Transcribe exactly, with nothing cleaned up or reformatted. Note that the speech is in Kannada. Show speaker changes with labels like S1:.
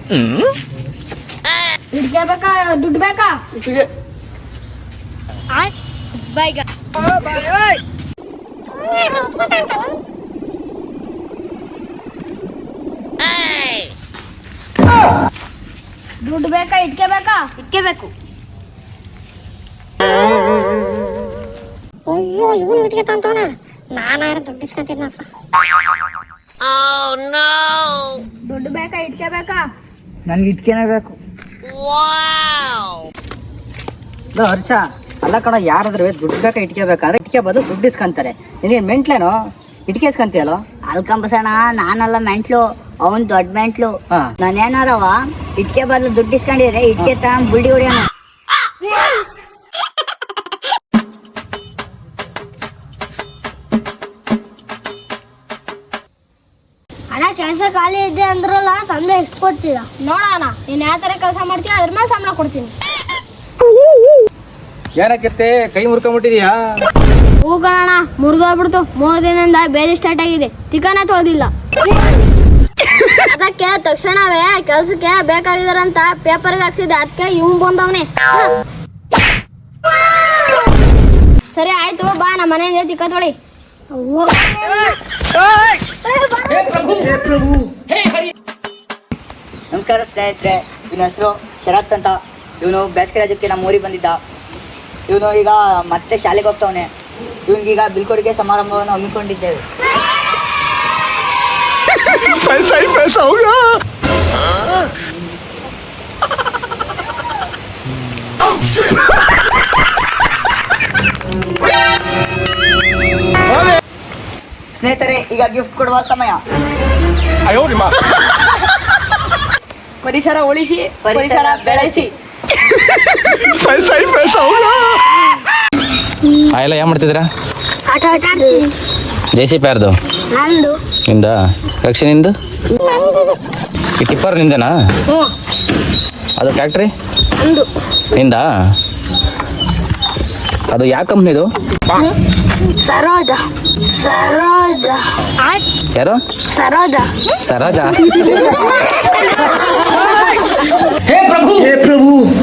S1: ಇಟ್ಕೆ ಬೇಕಾ ದುಡ್ಡು ಬೇಕಾ? ಬೈಗ ದುಡ್ಡು ಬೇಕಾ ಇಟ್ಕೆ ಬೇಕಾ? ಇಟ್ಕೆ ಬೇಕು.
S2: ಅಯ್ಯೋ ಇವನು ಇಟ್ಕೆ ತಂತವನ, ನಾನಾರ ದುಡ್ಡು ಇಸ್ಕೊಂತಿದ್ನಪ್ಪ.
S1: ದುಡ್ಡು ಬೇಕಾ ಇಟ್ಕೆ ಬೇಕಾ?
S3: ನನ್ಗೆ ಇಟ್ಕೆನೇ ಬೇಕು. ಹರ್ಷ ಅಲ್ಲ ಕಣ, ಯಾರಾದ್ರೂ ದುಡ್ಡು ಬೇಕಾ ಇಟ್ಕೆ ಬೇಕಾದ್ರೆ ಇಟ್ಕೆ ಬದಲು ದುಡ್ಡು ಇಸ್ಕೊಂತಾರೆ. ನಿನಗೆ ಮೆಂಟ್ಲೇನೋ ಇಟ್ಕೆ ಇಸ್ಕೊಂತೀಯಲ್ಲೋ?
S4: ಅಲ್ಕಂಬಸಣ, ನಾನಲ್ಲ ಮೆಂಟ್ಲು, ಅವನ್ ದೊಡ್ಡ ಮೆಂಟ್ಲು.
S3: ಹಾ.
S4: ನಾನೇನಾರವ ಇಟ್ಕೆ ಬದಲು ದುಡ್ಡು ಇಸ್ಕೊಂಡಿದ್ರೆ ಇಟ್ಕೆ ತ ಬುಲ್ಡಿ ಹೊಡಿಯೋಣ.
S1: ಅಣ್ಣ ಕೆಲಸ ಖಾಲಿ ಇದೆ ಅಂದ್ರಲ್ಲ, ಸಂಬಳ ಎಷ್ಟು ಕೊಡ್ತೀರ? ನೋಡೋಣ ನೀನ್ ಯಾವ ತರ ಕೆಲಸ ಮಾಡ್ತೀಯ ಅದ್ರ ಮೇಲೆ ಸಂಬಳ ಕೊಡ್ತೀನಿ.
S5: ಏನಕ್ಕೆ ಕೈ ಮುರ್ಕೊಂಡ್ಬಿಟ್ಟಿದ್ಯಾ?
S1: ಹೂ ಕಣಣ್ಣ, ಮುರಿದೋಗ್ಬಿಡ್ತು. ಮೂರು ದಿನದಿಂದ ಬೇರೆ ಸ್ಟಾರ್ಟ್ ಆಗಿದೆ, ಚಿಕನ್ ತೊಳೆದಿಲ್ಲ. ಅದಕ್ಕೆ ತಕ್ಷಣವೇ ಕೆಲ್ಸಕ್ಕೆ ಬೇಕಾಗಿದಾರಂತ ಪೇಪರ್ಗೆ ಹಾಕ್ಸಿದೆ, ಅದಕ್ಕೆ ಇವ್ ಬಂದವನೇ. ಸರಿ ಆಯ್ತು, ಬಾ ನಮ್ಮ ಮನೆಯಿಂದ ಚಿಕ್ಕ ತೊಳಿ.
S4: ನಮಸ್ಕಾರ ಸ್ನೇಹಿತರೆ, ಇವನ ಹೆಸರು ಶರತ್ ಅಂತ. ಇವನು ಬೇಸಿಗೆ ರಾಜ್ಯಕ್ಕೆ ನಮ್ಮ ಊರಿಗೆ ಬಂದಿದ್ದ. ಇವನು ಈಗ ಮತ್ತೆ ಶಾಲೆಗೆ ಹೋಗ್ತಾವನೆ. ಇವನಿಗೀಗ ಬೀಳ್ಕೊಡುಗೆ ಸಮಾರಂಭವನ್ನು ಹಮ್ಮಿಕೊಂಡಿದ್ದೇವೆ.
S5: पैसा ही पैसा होगा.
S4: ಸ್ನೇಹಿತರೆ, ಈಗ ಗಿಫ್ಟ್ ಕೊಡುವ ಸಮಯ.
S1: ಪರಿಸರ ಉಳಿಸಿ, ಪರಿಸರ ಬೆಳೆಸಿ.
S5: पैसा ही पैसा होगा. ಎಲ್ಲ ಏನ್ ಮಾಡ್ತಿದ್ದೀರಾ?
S1: ಆಟ ಆಟ ಆಡ್ತೀನಿ.
S5: ಜೆ ಸಿ ಪಿ ಯಾರ್ದು?
S1: ನಂದು.
S5: ನಿಂದ? ರಕ್ಷೆ ನಿಂದು? ಈ ಟಿಪ್ಪರ್ ನಿಂದನಾ?
S1: ಹ್ಞೂ
S5: ಅದು ಟ್ಯಾಕ್ಟ್ರಿ
S1: ನಂದು.
S5: ನಿಂದ? ಅದು ಯಾವ ಕಂಪ್ನಿದು?
S1: ಸರೋಜ. ಸರೋಜ.
S5: ಯಾರು?
S1: ಸರೋಜ.
S5: ಸರೋಜ.
S3: ಹೇ ಪ್ರಭು, ಹೇ ಪ್ರಭು